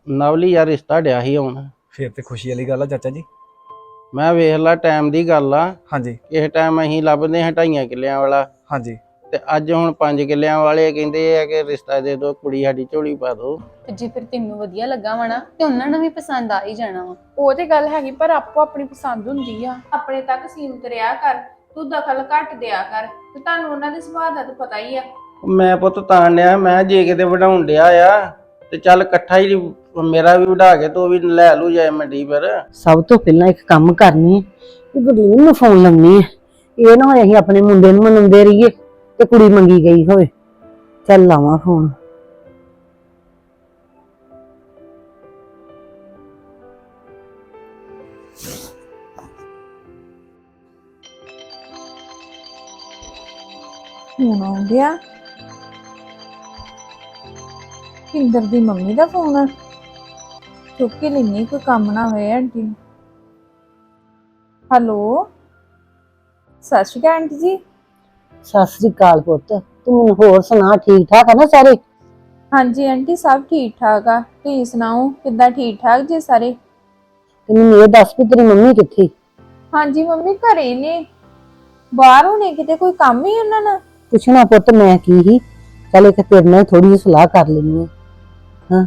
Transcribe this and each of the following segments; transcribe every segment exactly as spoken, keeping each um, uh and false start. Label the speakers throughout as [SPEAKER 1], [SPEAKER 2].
[SPEAKER 1] ਨਵਲੀ ਯਾਰ ਰਿਸ਼ਤਾ ਡਿਆ ਸੀ ਹੁਣ।
[SPEAKER 2] ਫਿਰ ਤੇ ਖੁਸ਼ੀ ਵਾਲੀ ਗੱਲ ਆ ਚਾਚਾ ਜੀ।
[SPEAKER 1] ਮੈਂ ਵੇਖ ਲਾ ਟਾਈਮ ਦੀ ਗੱਲ ਆ।
[SPEAKER 2] ਹਾਂਜੀ
[SPEAKER 1] ਇਸ ਟਾਈਮ ਅਸੀਂ ਲੱਭਦੇ ਹਾਂ ਢਾਈਆਂ ਕਿੱਲਿਆਂ ਵਾਲਾ,
[SPEAKER 2] ਹਾਂਜੀ।
[SPEAKER 1] ਤੇ ਅੱਜ ਹੁਣ ਪੰਜ ਕਿੱਲਿਆਂ ਵਾਲੇ ਕਹਿੰਦੇ ਆ ਕਿ ਰਿਸ਼ਤਾ ਦੇ ਦਿਓ, ਕੁੜੀ ਸਾਡੀ ਝੋਲੀ ਪਾ ਦਿਓ।
[SPEAKER 3] ਤੇ ਜੇ ਫਿਰ ਤੈਨੂੰ ਵਧੀਆ ਲੱਗਾ ਵਾ ਨਾ ਤੇ ਉਹਨਾਂ ਨੂੰ ਵੀ ਪਸੰਦ ਆ ਹੀ ਜਾਣਾ ਵਾ।
[SPEAKER 4] ਉਹ ਤੇ ਗੱਲ ਹੈਗੀ, ਪਰ ਆਪੋ ਆਪਣੀ ਪਸੰਦ ਹੁੰਦੀ ਆ। ਆਪਣੇ ਤੱਕ ਸੀਮਤ ਰਿਹਾ ਕਰ, ਤੂੰ ਦਖਲ ਘੱਟ ਦਿਆ ਕਰ, ਤੇ ਤੁਹਾਨੂੰ ਉਹਨਾਂ ਦੇ ਸੁਭਾਅ ਦਾ ਤਾਂ ਪਤਾ ਹੀ ਆ।
[SPEAKER 1] ਮੈਂ ਪੁੱਤ ਤਾਂ ਡਿਆ, ਮੈਂ ਜੇ ਕਿਤੇ ਵਢਾਉਣ ਡਿਆ ਆ ਤੇ ਚੱਲ ਇਕੱਠਾ ਹੀ ਮੇਰਾ ਵੀ ਵਢਾ ਕੇ ਤੂੰ ਵੀ ਲੈ ਲੂ ਜਾਏ ਮੰਡੀ ਪਰ।
[SPEAKER 5] ਸਭ ਤੋਂ ਪਹਿਲਾਂ ਇੱਕ ਕੰਮ ਕਰਨੀ ਹੈ, ਗੁਰਲੀਨ ਨੂੰ ਫੋਨ ਲਾਉਣੀ ਹੈ। ਇਹ ਨਾ ਹੋਏ ਅਸੀਂ ਆਪਣੇ ਮੁੰਡੇ ਨੂੰ ਮਨਾਉਂਦੇ ਰਹੀਏ ਤੇ ਕੁੜੀ ਮੰਗੀ ਗਈ ਹੋਵੇ। ਚੱਲ ਲਾਵਾਂ ਫੋਨ।
[SPEAKER 4] ਹੁਣ ਆਉਂਦਿਆ ਕਿੰਦਰ ਦੀ ਮੰਮੀ ਦਾ ਫੋਨ, ਚੁੱਕ ਕੇ ਲੈਣੀ, ਕੋਈ ਕੰਮ ਨਾ ਹੋਏ ਆਂਟੀ ਨੂੰ। ਹੈਲੋ, ਸਤਿ ਸ਼੍ਰੀ ਅਕਾਲ ਆਂਟੀ ਜੀ।
[SPEAKER 5] ਸਤਿ ਸ੍ਰੀ ਅਕਾਲ ਪੁੱਤ, ਤੂੰ ਮੈਨੂੰ ਹੋਰ ਸੁਣਾ, ਠੀਕ ਠਾਕ ਆ ਨਾ ਸਾਰੇ?
[SPEAKER 4] ਹਾਂਜੀ ਆਂਟੀ, ਸਭ ਠੀਕ ਠਾਕ ਆ। ਤੁਸੀਂ ਸੁਣਾਓ, ਕਿੱਦਾਂ ਠੀਕ ਠਾਕ ਜੀ ਸਾਰੇ?
[SPEAKER 5] ਤੇ ਮੈਨੂੰ ਇਹ ਦੱਸ ਵੀ ਤੇਰੀ ਮੰਮੀ ਕਿੱਥੇ?
[SPEAKER 4] ਹਾਂਜੀ ਮੰਮੀ ਘਰੇ ਨੇ, ਬਾਹਰ ਹੋਣੇ ਕਿਤੇ, ਕੋਈ ਕੰਮ ਹੀ ਉਹਨਾਂ ਨਾਲ।
[SPEAKER 5] ਪੁੱਛਣਾ ਪੁੱਤ ਮੈਂ ਕੀ ਹੀ, ਚੱਲ ਇੱਕ ਤੇਰੇ ਨਾਲ ਥੋੜੀ ਜਿਹੀ ਸਲਾਹ ਕਰ ਲੈਣੀ ਹੈ। ਹਾਂ,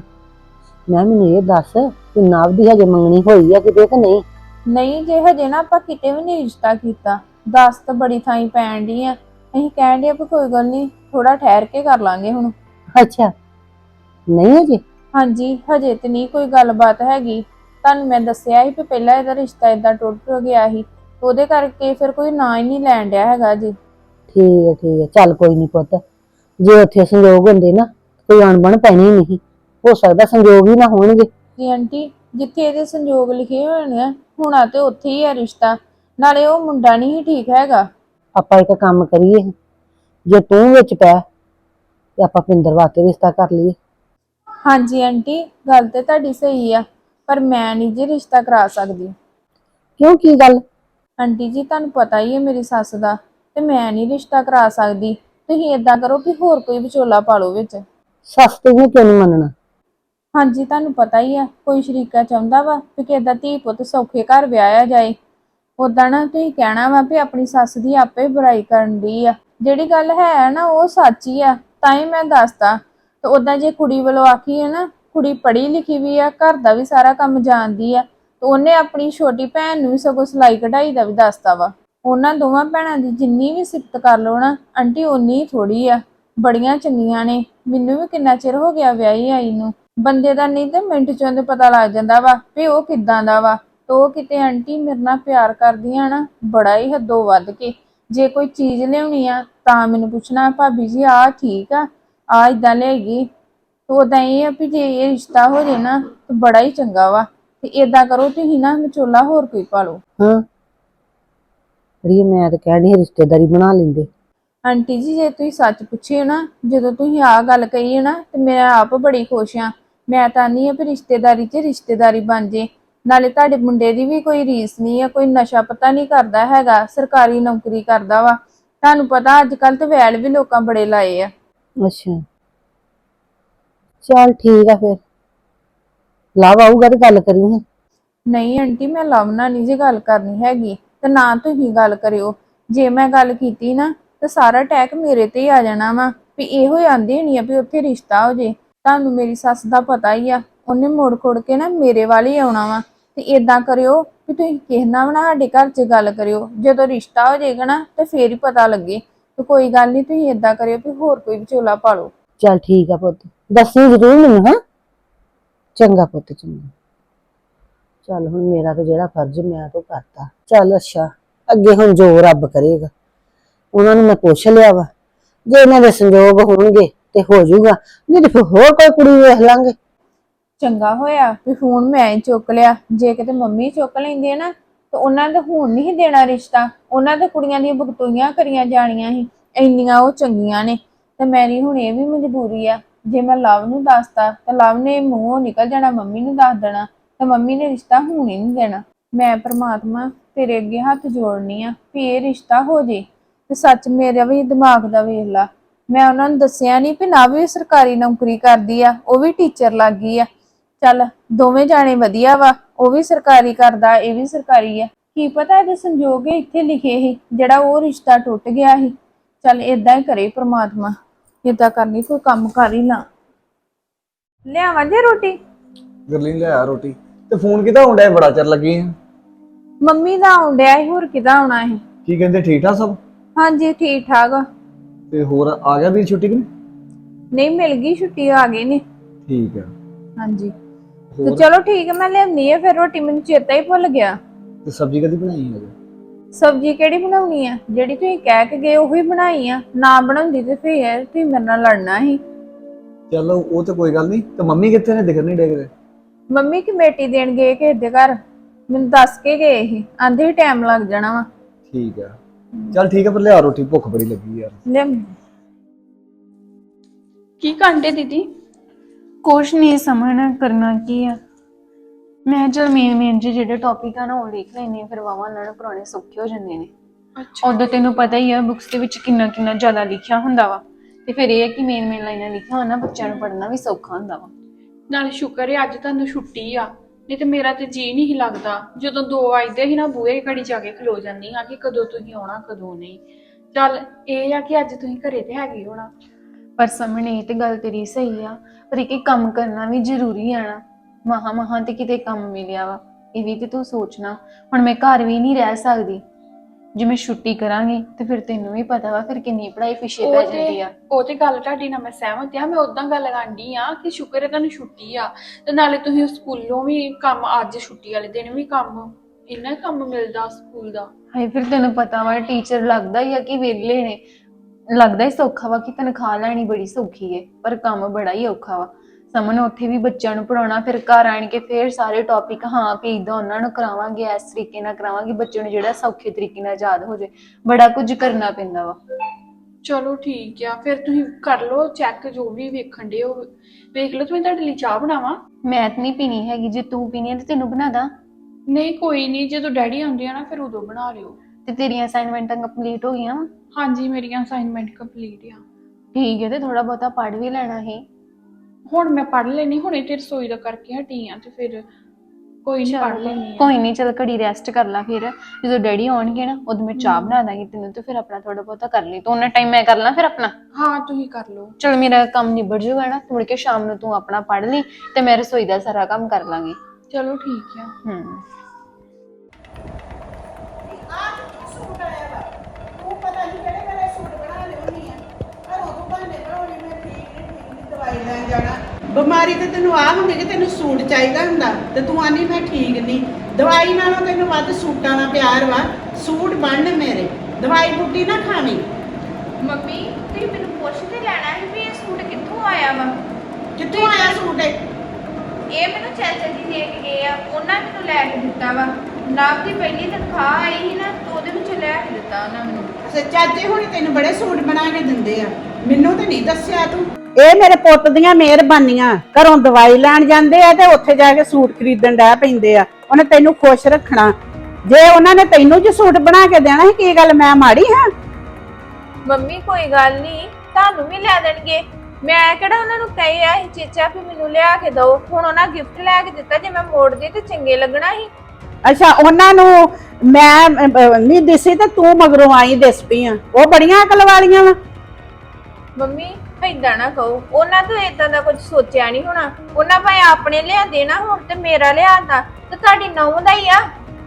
[SPEAKER 5] ਮੈਂ ਮੈਨੂੰ ਇਹ ਦੱਸ ਕਿ ਨਵ ਦੀ ਹਜੇ ਮੰਗਣੀ ਹੋਈ ਆ ਕਿਤੇ ਕਿ ਨਹੀਂ?
[SPEAKER 4] ਨਹੀਂ, ਜੇ ਹਜੇ ਨਾ ਆਪਾਂ ਕਿਤੇ ਵੀ ਨਹੀਂ ਰਿਸ਼ਤਾ ਕੀਤਾ, ਦੱਸ ਤਾਂ ਬੜੀ ਥਾਈਂ ਪੈਣ ਡਈ ਆ। ਅਸੀਂ ਕਹਿਣ ਡਏ ਵੀ ਕੋਈ ਗੱਲ ਨਹੀਂ, ਥੋੜਾ ਠਹਿਰ ਕੇ ਕਰ ਲਾਂਗੇ ਹੁਣ।
[SPEAKER 5] ਅੱਛਾ, ਨਹੀਂ ਹਜੇ?
[SPEAKER 4] ਹਾਂਜੀ, ਹਜੇ ਤੇ ਨਹੀਂ ਕੋਈ ਗੱਲਬਾਤ ਹੈਗੀ। ਤੁਹਾਨੂੰ ਮੈਂ ਦੱਸਿਆ ਸੀ ਕਿ ਪਹਿਲਾਂ ਇਹਦਾ ਰਿਸ਼ਤਾ ਏਦਾਂ ਟੁੱਟ ਗਿਆ ਸੀ, ਉਹਦੇ ਕਰਕੇ ਫਿਰ ਕੋਈ ਨਾਂ ਹੀ ਨਹੀਂ ਲੈਣ ਡਿਆ ਹੈਗਾ ਜੀ।
[SPEAKER 5] ਠੀਕ ਹੈ ਠੀਕ ਹੈ, ਚੱਲ ਕੋਈ ਨਹੀਂ ਪੁੱਤ, ਜੇ ਉੱਥੇ ਸੰਜੋਗ ਹੁੰਦੇ ਨਾ ਕੋਈ ਅਣਬਣ ਪੈਣੀ ਨਹੀਂ, ਹੋ ਸਕਦਾ ਸੰਜੋਗ ਹੀ ਨਾ ਹੋਣਗੇ।
[SPEAKER 4] ਜੀ ਆਂਟੀ, ਜਿੱਥੇ ਇਹਦੇ ਸੰਜੋਗ ਲਿਖੇ ਹੋਏ ਨੇ ਹੁਣਾ ਤੇ ਉੱਥੇ ਹੀ ਆ ਰਿਸ਼ਤਾ, ਨਾਲੇ ਉਹ ਮੁੰਡਾ ਨਹੀਂ ਠੀਕ ਹੈਗਾ।
[SPEAKER 5] ਆਪਾਂ ਇੱਕ ਕੰਮ ਕਰੀਏ, ਜੇ ਤੂੰ ਵਿੱਚ ਪੈ ਤੇ ਆਪਾਂ ਪਿੰਦਰ ਵਾਸਤੇ ਰਿਸ਼ਤਾ ਕਰ ਲਈਏ।
[SPEAKER 4] ਹਾਂਜੀ ਆਂਟੀ, ਗੱਲ ਤੇ ਤੁਹਾਡੀ ਸਹੀ ਆ, ਪਰ ਮੈਂ ਨਹੀਂ ਜੀ ਰਿਸ਼ਤਾ ਕਰਾ ਸਕਦੀ।
[SPEAKER 5] ਕਿਉਂ, ਕੀ ਗੱਲ?
[SPEAKER 4] ਆਂਟੀ ਜੀ, ਤੁਹਾਨੂੰ ਪਤਾ ਹੀ ਹੈ ਮੇਰੀ ਸੱਸ ਦਾ, ਤੇ ਮੈਂ ਨਹੀਂ ਰਿਸ਼ਤਾ ਕਰਾ ਸਕਦੀ। ਤੁਸੀਂ ਏਦਾਂ ਕਰੋ ਕਿ ਹੋਰ ਕੋਈ ਵਿਚੋਲਾ ਪਾ ਲਓ ਵਿੱਚ।
[SPEAKER 5] ਸੱਸ ਤੈਨੂੰ ਕਿਉਂ ਨਹੀਂ ਮੰਨਣਾ?
[SPEAKER 4] ਹਾਂਜੀ, ਤੁਹਾਨੂੰ ਪਤਾ ਹੀ ਆ, ਕੋਈ ਸ਼ਰੀਕਾ ਚਾਹੁੰਦਾ ਵਾ ਕਿ ਕਿਸੇ ਦਾ ਧੀ ਪੁੱਤ ਸੌਖੇ ਘਰ ਵਿਆਹਿਆ ਜਾਏ। ਉਦਾਂ ਨਾ ਤੁਸੀਂ ਕਹਿਣਾ ਵਾ ਵੀ ਆਪਣੀ ਸੱਸ ਦੀ ਆਪੇ ਬੁਰਾਈ ਕਰਨ ਦੀ ਆ। ਜਿਹੜੀ ਗੱਲ ਹੈ ਨਾ ਉਹ ਸੱਚ ਹੀ ਆ, ਤਾਂ ਹੀ ਮੈਂ ਦੱਸਦਾ। ਤੇ ਉਦਾਂ ਜੇ ਕੁੜੀ ਵੱਲੋਂ ਆਖੀ ਹੈ ਨਾ, ਕੁੜੀ ਪੜ੍ਹੀ ਲਿਖੀ ਵੀ ਆ, ਘਰ ਦਾ ਵੀ ਸਾਰਾ ਕੰਮ ਜਾਣਦੀ ਆ, ਤੇ ਉਹਨੇ ਆਪਣੀ ਛੋਟੀ ਭੈਣ ਨੂੰ ਵੀ ਸਗੋਂ ਸਿਲਾਈ ਕਢਾਈ ਦਾ ਵੀ ਦੱਸਦਾ ਵਾ। ਉਹਨਾਂ ਦੋਵਾਂ ਭੈਣਾਂ ਦੀ ਜਿੰਨੀ ਵੀ ਸਿਫਤ ਕਰ ਲਓ ਨਾ ਆਂਟੀ, ਓਨੀ ਥੋੜੀ ਆ। ਬੜੀਆਂ ਚੰਗੀਆਂ ਨੇ, ਮੈਨੂੰ ਵੀ ਕਿੰਨਾ ਚਿਰ ਹੋ ਗਿਆ ਵਿਆਹੀ ਆਈ ਨੂੰ। ਬੰਦੇ ਦਾ ਨਹੀਂ ਤੇ ਮਿੰਟ ਚੋਂ ਤੇ ਪਤਾ ਲੱਗ ਜਾਂਦਾ ਵਾ ਵੀ ਉਹ ਕਿੱਦਾਂ ਦਾ ਵਾ। ਤੇ ਉਹ ਕਿਤੇ ਆਂਟੀ ਮੇਰੇ ਨਾਲ ਪਿਆਰ ਕਰਦੀਆਂ ਨਾ, ਬੜਾ ਹੀ ਹੱਦੋਂ ਵੱਧ ਕੇ। ਜੇ ਕੋਈ ਚੀਜ਼ ਲਿਆਉਣੀ ਆ ਤਾਂ ਮੈਨੂੰ ਪੁੱਛਣਾ, ਭਾਬੀ ਜੀ ਆਹ ਠੀਕ ਆ, ਆ ਇਦਾਂ ਲਿਆਈਏ। ਤੇ ਉਦਾਂ ਇਹ ਆ ਵੀ ਜੇ ਇਹ ਰਿਸ਼ਤਾ ਹੋ ਜੇ ਨਾ ਤੇ ਬੜਾ ਹੀ ਚੰਗਾ ਵਾ। ਤੇ ਏਦਾਂ ਕਰੋ ਤੁਸੀਂ ਨਾ, ਵਿਚੋਲਾ ਹੋਰ ਕੋਈ ਪਾ ਲਓ।
[SPEAKER 5] ਹਾਂ ਰੀ, ਮੈਂ ਤਾਂ ਕਹਿਣੀ ਰਿਸ਼ਤੇਦਾਰੀ ਬਣਾ ਲੈਂਦੇ।
[SPEAKER 4] ਆਂਟੀ ਜੀ, ਜੇ ਤੁਸੀਂ ਸੱਚ ਪੁੱਛਿਓ ਨਾ, ਜਦੋਂ ਤੁਸੀਂ ਆਹ ਗੱਲ ਕਹੀ ਹੈ ਨਾ, ਤੇ ਮੈਂ ਆਪ ਬੜੀ ਖੁਸ਼ ਹਾਂ। ਮੈਂ ਤਾਂ ਨਹੀਂ ਆ ਵੀ ਰਿਸ਼ਤੇਦਾਰੀ 'ਚ ਰਿਸ਼ਤੇਦਾਰੀ ਬਣ ਜੇ। ਨਾਲੇ ਤੁਹਾਡੇ ਮੁੰਡੇ ਦੀ ਵੀ ਕੋਈ ਰੀਸ ਨਹੀਂ ਆ, ਕੋਈ ਨਸ਼ਾ ਪਤਾ ਨਹੀਂ ਕਰਦਾ ਹੈਗਾ, ਸਰਕਾਰੀ ਨੌਕਰੀ ਕਰਦਾ ਵਾ। ਤੁਹਾਨੂੰ ਪਤਾ ਅੱਜ ਕੱਲ ਤੇ ਵੈਲ ਵੀ ਲੋਕਾਂ ਬੜੇ ਲਾਏ ਆ।
[SPEAKER 5] ਅੱਛਾ, ਚੱਲ ਠੀਕ ਆ, ਫਿਰ ਲਵ ਆਊਗਾ ਤੇ ਗੱਲ ਕਰੀ ਹੈ।
[SPEAKER 4] ਨਹੀਂ ਆਂਟੀ, ਮੈਂ ਲਵ ਨਾਲ ਨਹੀਂ ਜੇ ਗੱਲ ਕਰਨੀ ਹੈਗੀ, ਤੇ ਨਾ ਤੁਸੀਂ ਗੱਲ ਕਰਿਓ। ਜੇ ਮੈਂ ਗੱਲ ਕੀਤੀ ਨਾ ਤੇ ਸਾਰਾ ਅਟੈਕ ਮੇਰੇ ਤੇ ਹੀ ਆ ਜਾਣਾ ਵਾ, ਵੀ ਇਹੋ ਹੀ ਆਂਦੀ ਹੋਣੀ ਆ ਵੀ ਉੱਥੇ ਰਿਸ਼ਤਾ ਹੋ ਜੇ। ਤੁਹਾਨੂੰ ਮੇਰੀ ਸੱਸ ਦਾ ਪਤਾ ਹੀ ਆ, ਉਹਨੇ ਮੁੜ ਖੁੜ ਕੇ ਨਾ ਮੇਰੇ ਵੱਲ ਹੀ ਆਉਣਾ ਵਾ। ਤੇ ਏਦਾਂ ਕਰਿਓ ਵੀ ਤੁਸੀਂ ਕਿਸੇ ਨਾਲ ਵੀ ਨਾ ਸਾਡੇ ਘਰ 'ਚ ਗੱਲ ਕਰਿਓ, ਜਦੋਂ ਰਿਸ਼ਤਾ ਹੋ ਜਾਏਗਾ ਨਾ ਤੇ ਫੇਰ ਹੀ ਪਤਾ ਲੱਗੇ। ਤੇ ਕੋਈ ਗੱਲ ਨਹੀਂ, ਤੁਸੀਂ ਏਦਾਂ ਕਰਿਓ ਵੀ ਹੋਰ ਕੋਈ ਵਿਚੋਲਾ ਪਾ ਲਓ।
[SPEAKER 5] ਚੱਲ ਠੀਕ ਆ ਪੁੱਤ, ਦੱਸੀ ਜ਼ਰੂਰ ਮੈਨੂੰ। ਹਾਂ ਚੰਗਾ ਪੁੱਤ, ਚੰਗਾ। ਚੱਲ ਹੁਣ ਮੇਰਾ ਤਾਂ ਜਿਹੜਾ ਫਰਜ਼ ਮੈਂ ਤਾਂ ਕਰਤਾ। ਚੱਲ ਅੱਛਾ, ਅੱਗੇ ਹੁਣ ਜੋ ਰੱਬ ਕਰੇਗਾ। ਉਹਨਾਂ ਨੂੰ ਮੈਂ ਪੁੱਛ ਲਿਆ ਵਾ, ਜੇ ਇਹਨਾਂ ਦੇ ਸੰਜੋਗ ਹੋਣਗੇ ਤੇ ਹੋ ਜਾਊਗਾ, ਨਹੀਂ ਤੇ ਫਿਰ ਹੋਰ ਕੋਈ ਕੁੜੀ ਵੇਖ ਲਾਂਗੇ।
[SPEAKER 4] ਚੰਗਾ ਹੋਇਆ ਵੀ ਫੋਨ ਮੈਂ ਹੀ ਚੁੱਕ ਲਿਆ। ਜੇ ਕਿਤੇ ਮੰਮੀ ਚੁੱਕ ਲੈਂਦੀ ਨਾ ਤੇ ਉਹਨਾਂ ਦਾ ਹੁਣ ਨਹੀਂ ਦੇਣਾ ਰਿਸ਼ਤਾ, ਉਹਨਾਂ ਦੇ ਕੁੜੀਆਂ ਦੀਆਂ ਬਕਤੂਈਆਂ ਕਰੀਆਂ ਜਾਣੀਆਂ ਸੀ। ਇੰਨੀਆਂ ਉਹ ਚੰਗੀਆਂ ਨੇ। ਤੇ ਮੇਰੀ ਹੁਣ ਇਹ ਵੀ ਮਜਬੂਰੀ ਆ, ਜੇ ਮੈਂ ਲਵ ਨੂੰ ਦੱਸਤਾ ਤਾਂ ਲਵ ਨੇ ਮੂੰਹੋਂ ਨਿਕਲ ਜਾਣਾ ਮੰਮੀ ਨੂੰ ਦੱਸ ਦੇਣਾ, ਤੇ ਮੰਮੀ ਨੇ ਰਿਸ਼ਤਾ ਹੁਣ ਹੀ ਨਹੀਂ ਦੇਣਾ। ਮੈਂ ਪ੍ਰਮਾਤਮਾ ਤੇਰੇ ਅੱਗੇ ਹੱਥ ਜੋੜਨੀ ਆ ਵੀ ਇਹ ਰਿਸ਼ਤਾ ਹੋ ਜੇ। ਤੇ ਸੱਚ ਮੇਰੇ ਵੀ ਦਿਮਾਗ ਦਾ ਵੇਖ ਲਾ, ਮੈਂ ਉਹਨਾਂ ਨੂੰ ਦੱਸਿਆ ਨਹੀਂ ਵੀ ਨਾ ਵੀ ਸਰਕਾਰੀ ਨੌਕਰੀ ਕਰਦੀ ਆ, ਉਹ ਵੀ ਟੀਚਰ ਲੱਗ ਗਈ ਆ। ਚੱਲ ਦੋਵੇਂ ਜਾਣੇ ਵਧੀਆ ਵਾ, ਉਹ ਵੀ ਸਰਕਾਰੀ ਕਰਦਾ, ਇਹ ਵੀ ਸਰਕਾਰੀ ਆ। ਕੀ ਪਤਾ ਇਹਦੇ ਸੰਜੋਗ ਹੀ ਇੱਥੇ ਲਿਖੇ ਸੀ ਜਿਹੜਾ ਉਹ ਰਿਸ਼ਤਾ ਟੁੱਟ ਗਿਆ ਸੀ। ਚੱਲ ਏਦਾਂ ਹੀ ਕਰੇ ਪ੍ਰਮਾਤਮਾ, ਏਦਾਂ ਕਰਨੀ ਕੋਈ ਕੰਮ ਕਰ ਹੀ ਲਾ। ਲਿਆਵਾਂ ਜੇ ਰੋਟੀ?
[SPEAKER 2] ਗਰਲੀਨ ਲਿਆ ਰੋਟੀ। ਤੇ ਫੋਨ ਕਿਦਾ ਹੁੰਦਾ ਹੈ? ਬੜਾ ਚਿਰ ਲੱਗੀ ਆ।
[SPEAKER 4] ਮੰਮੀ ਦਾ ਆਉਂਦਿਆ ਸੀ, ਹੋਰ ਕਿਦਾ ਆਉਣਾ ਸੀ?
[SPEAKER 2] ਕੀ ਕਹਿੰਦੇ, ਠੀਕ ਠਾਕ ਸਭ?
[SPEAKER 4] ਹਾਂਜੀ ਠੀਕ ਠਾਕ ਆ।
[SPEAKER 2] ਤੇ ਹੋਰ ਆ ਗਿਆ ਵੀਰ ਛੁੱਟੀ ਕਿ ਨਹੀਂ?
[SPEAKER 4] ਨਹੀਂ ਮਿਲ ਗਈ ਛੁੱਟੀ, ਆ ਗਏ ਨੇ।
[SPEAKER 2] ਠੀਕ ਆ।
[SPEAKER 4] ਹਾਂਜੀ ਤੇ ਚਲੋ ਠੀਕ ਹੈ, ਮੈਂ ਲਿਆਉਣੀ ਆ ਫਿਰ ਰੋਟੀ, ਮੈਨੂੰ ਚੇਤਾ ਹੀ ਭੁੱਲ ਗਿਆ।
[SPEAKER 2] ਤੇ ਸਬਜ਼ੀ ਕਦੀ ਬਣਾਈ ਹੈ?
[SPEAKER 4] ਸਬਜ਼ੀ ਕਿਹੜੀ ਬਣਾਉਣੀ ਆ? ਜਿਹੜੀ ਤੁਸੀਂ ਕਹਿ ਕੇ ਗਏ ਉਹੀ ਬਣਾਈ ਆ। ਨਾ ਬਣਾਉਂਦੀ ਤੇ ਫਿਰ ਤੁਸੀਂ ਮੇਰੇ ਨਾਲ ਲੜਨਾ ਸੀ।
[SPEAKER 2] ਚਲੋ ਉਹ ਤੇ ਕੋਈ ਗੱਲ ਨਹੀਂ। ਤੇ ਮੰਮੀ ਕਿੱਥੇ ਨੇ? ਦਿਖ ਨਹੀਂ ਡੇਗਦੇ।
[SPEAKER 4] ਮੰਮੀ ਕਮੇਟੀ ਦੇਣ ਗਏ ਕਿਸੇ ਦੇ ਘਰ, ਮੈਨੂੰ ਦੱਸ ਕੇ ਗਏ ਸੀ, ਆਂਦੇ ਹੀ ਟਾਈਮ ਲੱਗ ਜਾਣਾ ਵਾ।
[SPEAKER 2] ਠੀਕ ਆ, ਚੱਲ ਠੀਕ ਆ, ਪਰ ਲਿਆ ਰੋਟੀ, ਭੁੱਖ ਬੜੀ ਲੱਗੀ ਯਾਰ।
[SPEAKER 4] ਲੈ
[SPEAKER 3] ਕੀ ਕਾਂਡੇ ਦੀਦੀ? ਕੁਛ ਨਹੀਂ ਸਮਝਣਾ ਕਰਨਾ ਕੀ ਆ। ਮੈਂ ਚਲ ਮੇਨ ਮੇਨ ਜਿਹੜੇ ਟੌਪਿਕ ਆ ਨਾ ਉਹ ਲਿਖ ਲੈਣੇ, ਫਿਰ ਵਾਵਾ ਉਹਨਾਂ ਨੂੰ ਪੁਰਾਣੇ ਸੌਖੇ ਹੋ ਜਾਂਦੇ ਨੇ। ਅੱਛਾ, ਉਦੋਂ ਤੈਨੂੰ ਪਤਾ ਹੀ ਆ ਬੁੱਕਸ ਦੇ ਵਿੱਚ ਕਿੰਨਾ ਕਿੰਨਾ ਜ਼ਿਆਦਾ ਲਿਖਿਆ ਹੁੰਦਾ ਵਾ, ਤੇ ਫਿਰ ਇਹ ਹੈ ਕਿ ਮੇਨ ਮੇਨ ਲਾਈਨਾਂ ਲਿਖਿਆ ਹੋਣਾ, ਬੱਚਿਆਂ ਨੂੰ ਪੜ੍ਹਨਾ ਵੀ ਸੌਖਾ ਹੁੰਦਾ ਵਾ।
[SPEAKER 6] ਨਾਲੇ ਸ਼ੁਕਰ ਹੈ ਅੱਜ ਤੁਹਾਨੂੰ ਛੁੱਟੀ ਆ, ਨਹੀਂ ਤੇ ਮੇਰਾ ਤੇ ਜੀ ਨਹੀਂ ਲੱਗਦਾ। ਜਦੋਂ ਦੋ ਵਜਦੇ ਸੀ ਨਾ ਬੂਹੇ ਘੜੀ ਜਾ ਕੇ ਖਲੋ ਜਾਂਦੀ ਹਾਂ ਕਿ ਕਦੋਂ ਤੁਸੀਂ ਆਉਣਾ ਕਦੋਂ ਨਹੀਂ। ਚੱਲ ਇਹ ਆ ਕਿ ਅੱਜ ਤੁਸੀਂ ਘਰੇ ਤੇ ਹੈਗੇ ਹੋਣਾ।
[SPEAKER 3] ਪਰ ਸਾਹਮਣੇ ਇਹ ਤੇ ਗੱਲ ਤੇਰੀ ਸਹੀ ਆ, ਪਰ ਇੱਕ ਕੰਮ ਕਰਨਾ ਵੀ ਜ਼ਰੂਰੀ ਆ ਨਾ। ਮਹਾ ਮਹਾ ਤੇ ਕਿਤੇ ਕੰਮ ਮਿਲਿਆ ਵਾ, ਇਹ ਵੀ ਤੇ ਤੂੰ ਸੋਚਣਾ। ਹੁਣ ਮੈਂ ਘਰ ਵੀ ਨਹੀਂ ਰਹਿ ਸਕਦੀ, ਜੇ ਮੈਂ ਛੁੱਟੀ ਕਰਾਂਗੀ ਤੇ ਫਿਰ ਤੈਨੂੰ ਵੀ ਪਤਾ ਵਾ ਫਿਰ ਕਿੰਨੀ ਪੜ੍ਹਾਈ ਪਿੱਛੇ ਪੈ ਜਾਂਦੀ ਆ।
[SPEAKER 6] ਉਹ ਤੇ ਗੱਲ ਤੁਹਾਡੀ ਨਾਲ ਮੈਂ ਸਹਿਮਤ ਆ। ਮੈਂ ਉਦਾਂ ਗੱਲ ਕਰਨੀ ਆ ਕਿ ਸ਼ੁਕਰ ਹੈ ਤੁਹਾਨੂੰ ਛੁੱਟੀ ਆ, ਤੇ ਨਾਲੇ ਤੁਸੀਂ ਸਕੂਲੋਂ ਵੀ ਕੰਮ, ਅੱਜ ਛੁੱਟੀ ਵਾਲੇ ਦਿਨ ਵੀ ਕੰਮ, ਇੰਨਾ ਕੰਮ ਮਿਲਦਾ ਸਕੂਲ ਦਾ।
[SPEAKER 3] ਹਾਏ ਫਿਰ ਤੈਨੂੰ ਪਤਾ ਵਾ ਟੀਚਰ ਲੱਗਦਾ ਹੀ ਆ ਕਿ ਵਿਹਲੇ ਨੇ, ਲੱਗਦਾ ਹੀ ਸੌਖਾ ਵਾ ਕਿ ਤਨਖਾਹ ਲੈਣੀ ਬੜੀ ਸੌਖੀ ਹੈ, ਪਰ ਕੰਮ ਬੜਾ ਹੀ ਔਖਾ ਵਾ। ਸਮਝ ਉੱਥੇ ਵੀ ਬੱਚਿਆਂ ਨੂੰ ਪੜਾਉਣਾ, ਫਿਰ ਘਰ ਆਣ ਕੇ ਫਿਰ ਸਾਰੇ ਟੌਪਿਕ, ਹਾਂ ਕਿ ਇਦਾਂ ਉਹਨਾਂ ਨੂੰ ਕਰਾਵਾਂਗੇ, ਇਸ ਤਰੀਕੇ ਨਾਲ ਕਰਾਵਾਂਗੇ, ਬੱਚੇ ਨੂੰ ਜਿਹੜਾ ਸੌਖੇ ਤਰੀਕੇ ਨਾਲ ਯਾਦ ਹੋ ਜਾਏ, ਬੜਾ ਕੁਝ ਕਰਨਾ ਪੈਂਦਾ ਵਾ।
[SPEAKER 6] ਚਲੋ ਠੀਕ ਆ, ਫਿਰ ਤੁਸੀਂ ਕਰ ਲਓ ਚੈੱਕ, ਜੋ ਵੀ ਵੇਖਣ ਦੇ ਉਹ ਵੇਖ ਲਓ। ਤੁਸੀਂ ਤੁਹਾਡੇ ਲਈ ਚਾਹ ਬਣਾਵਾਂ?
[SPEAKER 3] ਮੈਂ ਤਾਂ ਨਹੀਂ ਪੀਣੀ ਹੈਗੀ, ਜੇ ਤੂੰ ਪੀਣੀ ਹੈ ਤੇ ਤੈਨੂੰ ਬਣਾ ਦਾਂ।
[SPEAKER 6] ਨਹੀਂ ਕੋਈ ਨਹੀਂ, ਜਦੋਂ ਡੈਡੀ ਆਉਂਦੇ ਆ ਨਾ ਫਿਰ ਉਦੋਂ ਬਣਾ ਲਿਓ।
[SPEAKER 3] ਤੇ ਤੇਰੀਆਂ ਅਸਾਈਨਮੈਂਟਾਂ ਕੰਪਲੀਟ ਹੋ ਗਈਆਂ ਵਾ?
[SPEAKER 6] ਹਾਂਜੀ ਮੇਰੀਆਂ ਅਸਾਈਨਮੈਂਟ ਕੰਪਲੀਟ ਆ।
[SPEAKER 3] ਠੀਕ ਹੈ, ਤੇ ਥੋੜਾ ਬਹੁਤਾ ਪੜ੍ਹ ਵੀ ਲੈਣਾ ਸੀ।
[SPEAKER 6] ਹੁਣ ਮੈਂ ਪੜ੍ਹ ਲੈਣੀ, ਹੁਣੇ ਤੇ ਰਸੋਈ ਦਾ ਕਰਕੇ ਹਟੀ ਆ, ਤੇ ਫਿਰ ਕੋਈ ਨਹੀਂ ਪੜ੍ਹ ਲੈਣੀ।
[SPEAKER 3] ਕੋਈ ਨਹੀਂ, ਚਲ ਘੜੀ ਰੈਸਟ ਕਰ ਲਾ, ਫਿਰ ਜਦੋਂ ਡੈਡੀ ਆਉਣਗੇ ਨਾ ਉਦੋਂ ਮੈਂ ਚਾਹ ਬਣਾ ਦਾਂਗੀ ਤੈਨੂੰ, ਤੇ ਫਿਰ ਆਪਣਾ ਥੋੜਾ ਬਹੁਤਾ ਕਰ ਲਈ ਤੂੰ, ਉਹਨਾਂ ਟਾਈਮ ਮੈਂ ਕਰ ਲਾਂ ਫਿਰ ਆਪਣਾ।
[SPEAKER 6] ਹਾਂ ਤੁਸੀਂ ਕਰ ਲਓ।
[SPEAKER 3] ਚਲ ਮੇਰਾ ਕੰਮ ਨਿਬੜ ਜੂਗਾ ਨਾ, ਮੁੜ ਕੇ ਸ਼ਾਮ ਨੂੰ ਤੂੰ ਆਪਣਾ ਪੜ੍ਹ ਲਈ ਤੇ ਮੈਂ ਰਸੋਈ ਦਾ ਸਾਰਾ ਕੰਮ ਕਰ ਲਾਂਗੀ।
[SPEAKER 6] ਚਲੋ ਠੀਕ ਆ।
[SPEAKER 3] ਹੂੰ
[SPEAKER 7] ਬਿਮਾਰੀ ਤੇ ਤੈਨੂੰ ਆ ਹੁੰਦੀ ਕਿ ਤੈਨੂੰ ਸੂਟ ਚਾਹੀਦਾ ਹੁੰਦਾ, ਤੇ ਤੂੰ ਆਨੀ ਮੈਂ ਠੀਕ ਨਹੀਂ। ਦਵਾਈ ਨਾਲੋਂ ਤੈਨੂੰ ਵੱਧ ਸੂਟਾਂ ਨਾਲ ਪਿਆਰ ਵਾ। ਸੂਟ ਬਣਨ ਮੇਰੇ, ਦਵਾਈ ਬੂਟੀ ਨਾ ਖਾਵੀਂ।
[SPEAKER 4] ਮੰਮੀ ਤੁਸੀਂ ਮੈਨੂੰ ਪੁੱਛ ਤੇ ਲੈਣਾ ਸੀ ਵੀ ਇਹ ਸੂਟ ਕਿੱਥੋਂ ਆਇਆ ਵਾ?
[SPEAKER 7] ਕਿੱਥੋਂ ਆਇਆ ਸੂਟ ਇਹ?
[SPEAKER 4] ਇਹ ਮੈਨੂੰ ਚਾਚਾ ਜੀ ਦੇ ਕੇ ਗਏ ਆ, ਉਹਨਾਂ ਮੈਨੂੰ ਲੈ ਕੇ ਦਿੱਤਾ ਵਾ। ਨਾਮ ਦੀ ਪਹਿਲੀ ਤਨਖਾਹ ਆਈ ਸੀ ਨਾ, ਤੇ ਉਹਦੇ ਵਿੱਚੋਂ ਲੈ ਕੇ ਦਿੱਤਾ ਉਹਨਾਂ ਮੈਨੂੰ।
[SPEAKER 7] ਅੱਛਾ, ਚਾਚੇ ਹੁਣੀ ਤੈਨੂੰ ਬੜੇ ਸੂਟ ਬਣਾ ਕੇ ਦਿੰਦੇ ਆ, ਮੈਨੂੰ ਤੇ ਨਹੀਂ ਦੱਸਿਆ ਤੂੰ। ਇਹ ਮੇਰੇ ਪੁੱਤ ਦੀਆਂ ਮਿਹਰਬਾਨੀਆਂ। ਘਰੋਂ ਦਵਾਈ ਲੈਣ ਜਾਂਦੇ ਆ ਤੇ ਉੱਥੇ ਜਾ ਕੇ ਸੂਟ ਖਰੀਦਣ ਡੈ ਪੈਂਦੇ ਆ। ਉਹਨੇ ਤੈਨੂੰ ਖੁਸ਼ ਰੱਖਣਾ। ਜੇ ਉਹਨਾਂ ਨੇ ਤੈਨੂੰ ਜੇ ਸੂਟ ਬਣਾ ਕੇ ਦੇਣਾ ਸੀ, ਕੀ ਗੱਲ ਮੈਂ ਮਾੜੀ ਹਾਂ?
[SPEAKER 4] ਮੰਮੀ ਕੋਈ ਗੱਲ ਨਹੀਂ, ਤੁਹਾਨੂੰ ਵੀ ਲੈ ਦੇਣਗੇ। ਮੈਂ ਕਿਹੜਾ ਉਹਨਾਂ ਨੂੰ ਕਹਿਆ ਸੀ ਚੇਚਾ ਵੀ ਮੈਨੂੰ ਲਿਆ ਕੇ ਦਿਓ। ਹੁਣ ਉਹਨਾਂ ਗਿਫਟ ਲੈ ਕੇ ਦਿੱਤਾ, ਜੇ ਮੈਂ ਮੋੜਦੀ ਤੇ ਚੰਗੇ ਲੱਗਣਾ ਸੀ।
[SPEAKER 7] ਅੱਛਾ, ਉਹਨਾਂ ਨੂੰ ਮੈਂ ਨਹੀਂ ਦਿਸੀ ਤੇ ਤੂੰ ਮਗਰੋਂ ਆਈ ਦਿਸ ਪਈ ਆ। ਉਹ ਬੜੀਆਂ ਅਕਲ ਵਾਲੀਆਂ ਵਾ।
[SPEAKER 4] ਮੰਮੀ ਏਦਾਂ ਨਾ ਕਹੋ, ਉਹਨਾਂ ਤੋਂ ਏਦਾਂ ਦਾ ਕੁਝ ਸੋਚਿਆ ਨਹੀਂ ਹੋਣਾ। ਉਹਨਾਂ ਭਾਵੇਂ ਆਪਣੇ ਲਿਆਂਦੇ ਨਾ, ਹੁਣ ਤੇ ਮੇਰਾ ਲਿਆਂਦਾ ਤੇ ਤੁਹਾਡੀ ਨੌਂ ਦਾ ਹੀ ਆ।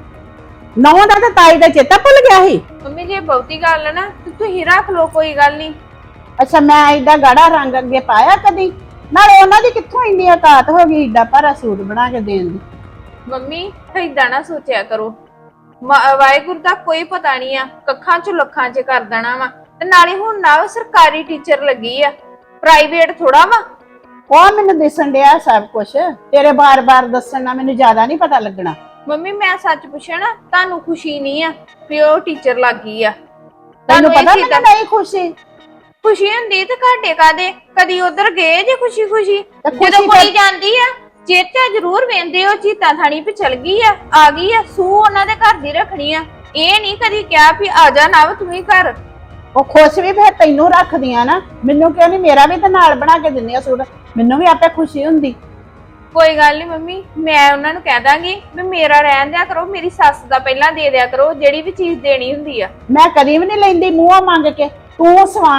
[SPEAKER 7] ਨੌਂ ਦਾ ਤਾਂ ਤਾਈ ਦਾ ਚੇਤਾ ਭੁੱਲ ਗਿਆ ਸੀ।
[SPEAKER 4] ਮੰਮੀ ਜੇ ਬਹੁਤੀ ਗੱਲ ਹੈ ਨਾ ਤੇ ਤੁਸੀਂ ਰੱਖ ਲਓ, ਕੋਈ ਗੱਲ ਨਹੀਂ।
[SPEAKER 7] ਅੱਛਾ, ਮੈਂ ਏਡਾ ਗਾੜਾ ਰੰਗ ਅੱਗੇ ਪਾਇਆ ਕਦੀ? ਨਾਲੇ ਉਹਨਾਂ ਦੀ ਕਿੱਥੋਂ ਇੰਨੀ ਔਕਾਤ ਹੋ ਗਈ ਏਡਾ ਭਾਰਾ ਸੂਟ ਬਣਾ ਕੇ ਦੇਣ ਦੀ?
[SPEAKER 4] ਮੰਮੀ ਏਦਾਂ ਨਾ ਸੋਚਿਆ ਕਰੋ, ਵਾਹਿਗੁਰੂ ਦਾ ਕੋਈ ਪਤਾ ਨਹੀਂ ਆ, ਕੱਖਾਂ ਚ ਲੱਖਾਂ ਚ ਕਰ ਦੇਣਾ ਵਾ। ਤੇ ਨਾਲੇ ਹੁਣ ਨਾ ਸਰਕਾਰੀ ਟੀਚਰ ਲੱਗੀ ਆ, ਪ੍ਰਾਈਵੇਟ ਥੋੜਾ ਵਾ।
[SPEAKER 7] ਉਹ ਮੈਨੂੰ ਦਿਸਣ ਡਿਆ ਸਭ ਕੁਝ, ਤੇਰੇ ਬਾਰ-ਬਾਰ ਦੱਸਣ ਨਾਲ ਮੈਨੂੰ ਜ਼ਿਆਦਾ ਨਹੀਂ ਪਤਾ ਲੱਗਣਾ।
[SPEAKER 4] ਮੰਮੀ ਮੈਂ ਸੱਚ ਪੁੱਛਿਆ ਨਾ, ਤੁਹਾਨੂੰ ਖੁਸ਼ੀ ਨਹੀਂ ਆ ਵੀ ਉਹ ਟੀਚਰ ਲੱਗੀ ਆ?
[SPEAKER 7] ਤੈਨੂੰ ਪਤਾ ਮੈਨੂੰ ਨਹੀਂ ਖੁਸ਼ੀ।
[SPEAKER 4] ਖੁਸ਼ੀ ਹੁੰਦੀ ਤੇ ਘਾਟੇ ਕਾਦੇ? ਕਦੀ ਉਧਰ ਗਏ ਜੇ ਖੁਸ਼ੀ ਖੁਸ਼ੀ?
[SPEAKER 7] ਖੁਸ਼ੀ
[SPEAKER 4] ਜਦੋਂ ਕੋਈ ਜਾਂਦੀ ਆ ਚੇਤਾ ਜ਼ਰੂਰ ਵੇਂਦੇ ਹੋ, ਚੀਤਾ ਥਾਣੀ ਵੀ ਚਲ ਗਈ ਆ, ਆ ਗਈ ਆ, ਸੂ ਉਹਨਾਂ ਦੇ ਘਰ ਦੀ ਰੱਖਣੀ ਆ। ਇਹ ਨਹੀਂ ਕਦੀ ਕਿਹਾ ਵੀ ਆ ਜਾ ਨਾ ਤੂੰ ਹੀ ਘਰ।
[SPEAKER 7] ਉਹ ਖੁਸ਼ ਵੀ ਫਿਰ ਤੈਨੂੰ ਰੱਖਦੀਆਂ ਨਾ, ਮੈਨੂੰ ਕਿਉਂ ਨਹੀਂ? ਮੇਰਾ ਵੀ ਤਾਂ ਨਾਲ ਬਣਾ ਕੇ ਦਿੰਦੇ ਆ ਸੂਟ, ਮੈਨੂੰ ਵੀ ਆਪੇ ਖੁਸ਼ੀ ਹੁੰਦੀ।
[SPEAKER 4] ਕੋਈ ਗੱਲ ਨਹੀਂ ਮੰਮੀ, ਮੈਂ ਉਹਨਾਂ ਨੂੰ ਕਹਿ ਦਾਂਗੀ ਵੀ ਮੇਰਾ ਰਹਿਣ ਦਿਆ ਕਰੋ, ਮੇਰੀ ਸੱਸ ਦਾ ਪਹਿਲਾਂ ਦੇ ਦਿਆ ਕਰੋ ਜਿਹੜੀ ਵੀ ਚੀਜ਼ ਦੇਣੀ ਹੁੰਦੀ ਆ।
[SPEAKER 7] ਮੈਂ ਕਦੀ ਵੀ ਨਹੀਂ ਲੈਂਦੀ ਮੂੰਹੋਂ ਮੰਗ ਕੇ, ਤੂੰ ਸਵਾ।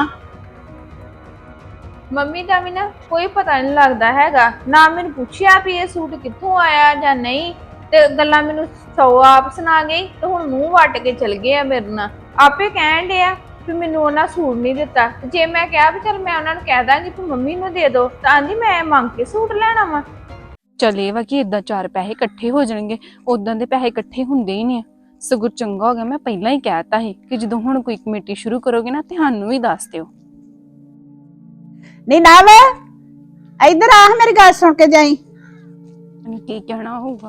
[SPEAKER 4] ਮੰਮੀ ਦਾ ਵੀ ਨਾ ਕੋਈ ਪਤਾ ਨਹੀਂ ਲੱਗਦਾ ਹੈਗਾ, ਨਾ ਮੈਨੂੰ ਪੁੱਛਿਆ ਵੀ ਇਹ ਸੂਟ ਕਿੱਥੋਂ ਆਇਆ ਜਾਂ ਨਹੀਂ, ਤੇ ਗੱਲਾਂ ਮੈਨੂੰ ਸੌ ਆਪ ਸੁਣਾ ਗਈ ਤੇ ਹੁਣ ਮੂੰਹ ਵੱਟ ਕੇ ਚਲ ਗਏ ਆ ਮੇਰੇ ਨਾਲ। ਆਪੇ ਕਹਿਣ ਡੇ ਆ ਵੀ ਮੈਨੂੰ ਉਹਨਾਂ ਸੂਟ ਨਹੀਂ ਦਿੱਤਾ, ਤੇ ਜੇ ਮੈਂ ਕਿਹਾ ਵੀ ਚਲ ਮੈਂ ਉਹਨਾਂ ਨੂੰ ਕਹਿ ਦਾਂਗੀ ਵੀ ਮੰਮੀ ਨੂੰ ਦੇ ਦੋ, ਤਾਂ ਆਂਦੀ ਮੈਂ ਮੰਗ ਕੇ ਸੂਟ ਲੈਣਾ ਵਾ।
[SPEAKER 3] ਚਲੇ ਵਾ ਕਿ ਇਦਾਂ ਚਾਰ ਪੈਸੇ ਇਕੱਠੇ ਹੋ ਜਾਣਗੇ, ਉਦਾਂ ਦੇ ਪੈਸੇ ਇਕੱਠੇ ਹੁੰਦੇ ਹੀ ਨਹੀਂ ਆ। ਸਗੋਂ ਚੰਗਾ ਹੋ ਗਿਆ ਮੈਂ ਪਹਿਲਾਂ ਹੀ ਕਹਿਤਾ ਸੀ ਕਿ ਜਦੋਂ ਹੁਣ ਕੋਈ ਕਮੇਟੀ ਸ਼ੁਰੂ ਕਰੋਗੇ ਨਾ ਤੇ ਸਾਨੂੰ ਵੀ ਦੱਸ ਦਿਓ।
[SPEAKER 7] ਨਹੀਂ ਨਾ ਵੇ, ਇੱਧਰ ਆ, ਮੇਰੀ ਗੱਲ ਸੁਣ ਕੇ ਜਾਈ।
[SPEAKER 3] ਮੈਨੂੰ ਕੀ ਕਹਿਣਾ ਹੋਊਗਾ।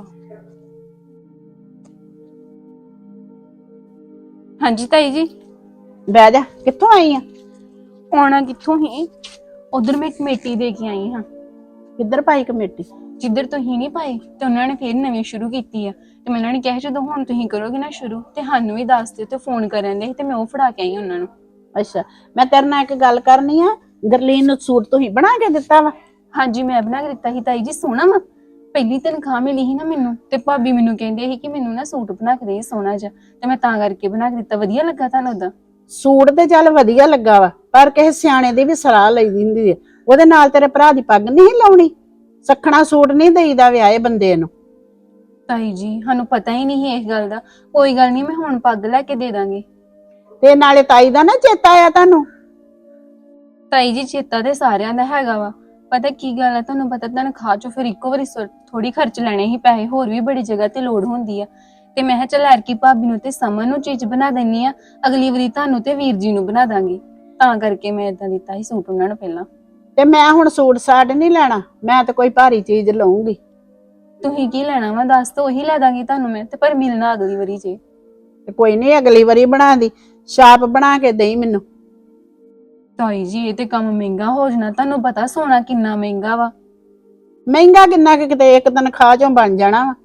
[SPEAKER 3] ਹਾਂਜੀ ਤਾਈ ਜੀ।
[SPEAKER 7] ਬਹਿ ਜਾ, ਕਿੱਥੋਂ ਆਈ ਆ?
[SPEAKER 3] ਆਉਣਾ ਕਿੱਥੋਂ ਹੀ, ਉਧਰ ਮੈਂ ਕਮੇਟੀ ਦੇ ਕੇ ਆਈ ਹਾਂ।
[SPEAKER 7] ਕਿੱਧਰ ਪਾਈ ਕਮੇਟੀ?
[SPEAKER 3] ਜਿੱਧਰ ਤੁਸੀਂ ਨਹੀਂ ਪਾਈ ਤੇ ਉਹਨਾਂ ਨੇ ਫੇਰ ਨਵੀਂ ਸ਼ੁਰੂ ਕੀਤੀ ਆ, ਤੇ ਮੈਂ ਉਹਨਾਂ ਨੇ ਕਿਹਾ ਜਦੋਂ ਹੁਣ ਤੁਸੀਂ ਕਰੋਗੇ ਨਾ ਸ਼ੁਰੂ ਤੇ ਸਾਨੂੰ ਵੀ ਦੱਸ ਦਿਓ। ਤੇ ਫੋਨ ਕਰਨ ਦੇ ਤੇ ਮੈਂ ਉਹ ਫੜਾ ਕੇ ਆਈ ਉਹਨਾਂ ਨੂੰ।
[SPEAKER 7] ਅੱਛਾ, ਮੈਂ ਤੇਰੇ ਨਾਲ ਇੱਕ ਗੱਲ ਕਰਨੀ ਆ। ਗਰਲੀਨ ਨੂੰ ਸੂਟ ਤੁਸੀਂ ਬਣਾ ਕੇ ਦਿੱਤਾ ਵਾ?
[SPEAKER 3] ਹਾਂਜੀ ਮੈਂ ਬਣਾ ਕੇ ਦਿੱਤਾ ਸੀ ਤਾਈ ਜੀ, ਸੋਹਣਾ ਵਾ। ਪਹਿਲੀ ਤਨਖਾਹ ਮਿਲੀ ਸੀ ਨਾ ਮੈਨੂੰ, ਤੇ ਭਾਬੀ ਮੈਨੂੰ ਕਹਿੰਦੇ ਸੀ ਕਿ ਮੈਨੂੰ ਨਾ ਸੂਟ ਬਣਾ ਕੇ ਦੇ ਸੋਹਣਾ ਜਿਹਾ, ਤੇ ਮੈਂ ਤਾਂ ਕਰਕੇ ਬਣਾ ਕੇ ਦਿੱਤਾ। ਵਧੀਆ ਲੱਗਾ ਤੁਹਾਨੂੰ ਉਹਦਾ
[SPEAKER 7] ਸੂਟ? ਤੇ ਚੱਲ ਵਧੀਆ ਲੱਗਾ ਵਾ, ਪਰ ਕਿਸੇ ਸਿਆਣੇ ਦੀ ਵੀ ਸਲਾਹ ਲਈਦੀ ਹੁੰਦੀ ਹੈ। ਉਹਦੇ ਨਾਲ ਤੇਰੇ ਭਰਾ ਦੀ ਪੱਗ ਨਹੀਂ ਲਾਉਣੀ? ਸਖਣਾ ਸੂਟ ਨਹੀਂ ਦੇਈਦਾ ਵਿਆਹੇ ਬੰਦੇ ਨੂੰ।
[SPEAKER 3] ਤਾਈ ਜੀ ਸਾਨੂੰ ਪਤਾ ਹੀ ਨਹੀਂ ਇਸ ਗੱਲ ਦਾ। ਕੋਈ ਗੱਲ ਨਹੀਂ, ਮੈਂ ਹੁਣ ਪੱਗ ਲੈ ਕੇ ਦੇ ਦਾਂਗੀ।
[SPEAKER 7] ਤੇ ਨਾਲੇ ਤਾਈ ਦਾ ਨਾ ਚੇਤਾ ਆਇਆ ਤੁਹਾਨੂੰ?
[SPEAKER 3] ਤਾਈ ਜੀ ਚੇਤਾ ਤੇ ਸਾਰਿਆਂ ਦਾ ਹੈਗਾ ਵਾ, ਪਤਾ ਕੀ ਗੱਲ ਆ, ਤੁਹਾਨੂੰ ਪਤਾ ਤਨਖਾਹ ਚੋਂ ਫਿਰ ਇੱਕੋ ਵਾਰੀ ਥੋੜੀ ਖਰਚ ਲੈਣੇ ਹੀ ਪੈਸੇ, ਹੋਰ ਵੀ ਬੜੀ ਜਗ੍ਹਾ ਤੇ ਲੋੜ ਹੁੰਦੀ ਆ। ਤੇ ਮੈਂ ਕਿਹਾ ਚੱਲ ਐਰਕੀ ਭਾਬੀ ਨੂੰ ਤੇ ਸਮਨ ਨੂੰ ਚੀਜ਼ ਬਣਾ ਦਿੰਨੀ ਆ, ਅਗਲੀ ਵਾਰੀ ਤੁਹਾਨੂੰ ਤੇ ਵੀਰ ਜੀ ਨੂੰ ਬਣਾ ਦਾਂਗੀ। ਤਾਂ ਕਰਕੇ ਮੈਂ ਏਦਾਂ ਦਿੱਤਾ ਸੀ ਸੂਟ ਉਹਨਾਂ ਨੂੰ ਪਹਿਲਾਂ।
[SPEAKER 7] ਤੇ ਮੈਂ ਹੁਣ ਸੂਟ ਸਾਟ ਨਹੀਂ ਲੈਣਾ, ਮੈਂ ਤਾਂ ਕੋਈ ਭਾਰੀ ਚੀਜ਼ ਲਊਂਗੀ।
[SPEAKER 3] ਤੁਸੀਂ ਕੀ ਲੈਣਾ ਵਾ ਦੱਸ ਦੋ, ਉਹੀ ਲੈ ਦਾਂਗੀ ਤੁਹਾਨੂੰ ਮੈਂ, ਤੇ ਪਰ ਮਿਲਣਾ ਅਗਲੀ ਵਾਰੀ ਜੇ।
[SPEAKER 7] ਤੇ ਕੋਈ ਨਹੀਂ, ਅਗਲੀ ਵਾਰੀ ਬਣਾ ਦੀ, ਛਾਪ ਬਣਾ ਕੇ ਦੇਈ ਮੈਨੂੰ।
[SPEAKER 3] ਤਾਈ ਜੀ ਇਹ ਤੇ ਕੰਮ ਮਹਿੰਗਾ ਹੋ ਜਾਣਾ, ਤੁਹਾਨੂੰ ਪਤਾ ਸੋਨਾ ਕਿੰਨਾ ਮਹਿੰਗਾ ਵਾ।
[SPEAKER 7] ਮਹਿੰਗਾ ਕਿੰਨਾ ਕਿ ਕਿਤੇ ਇੱਕ ਤਨਖਾਹ ਚੋਂ ਬਣ ਜਾਣਾ ਵਾ।